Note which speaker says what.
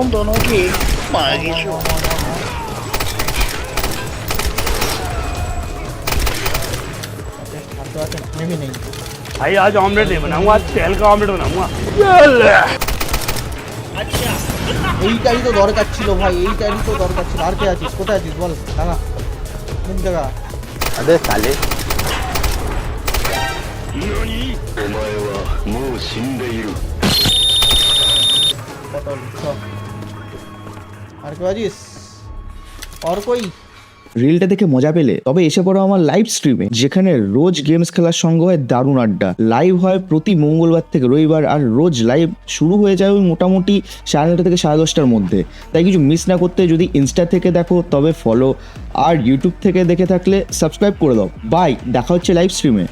Speaker 1: तुम दोनों की मांगी छो।
Speaker 2: मैं भी नहीं।
Speaker 3: भाई आज ऑमलेट नहीं बनाऊंगा, आज तेल का ऑमलेट बनाऊंगा।
Speaker 2: এইটাই তো দরকার ছিল ভাই, এইটাই তো দরকার ছিল। আর কে আছিস, কোথায় আছিস বল, দাঁড়া কোন জায়গা।
Speaker 4: अबे साले
Speaker 5: 何お前はもう死んでいる
Speaker 2: পটল চ। আর কে আছিস, আর কই?
Speaker 6: রিলটা দেখে মজা পেলে তবে এসে পড়ো আমার লাইভ স্ট্রিমে, যেখানে রোজ গেমস খেলার সঙ্গে হয় দারুণ আড্ডা। লাইভ হয় প্রতি মঙ্গলবার থেকে রবিবার, আর রোজ লাইভ শুরু হয়ে যায় ওই মোটামুটি 9:30 থেকে 10:30টার মধ্যে। তাই কিছু মিস না করতে যদি ইনস্টা থেকে দেখো তবে ফলো, আর ইউটিউব থেকে দেখে থাকলে সাবস্ক্রাইব করে দাও। বাই, দেখা হচ্ছে লাইভ স্ট্রিমে।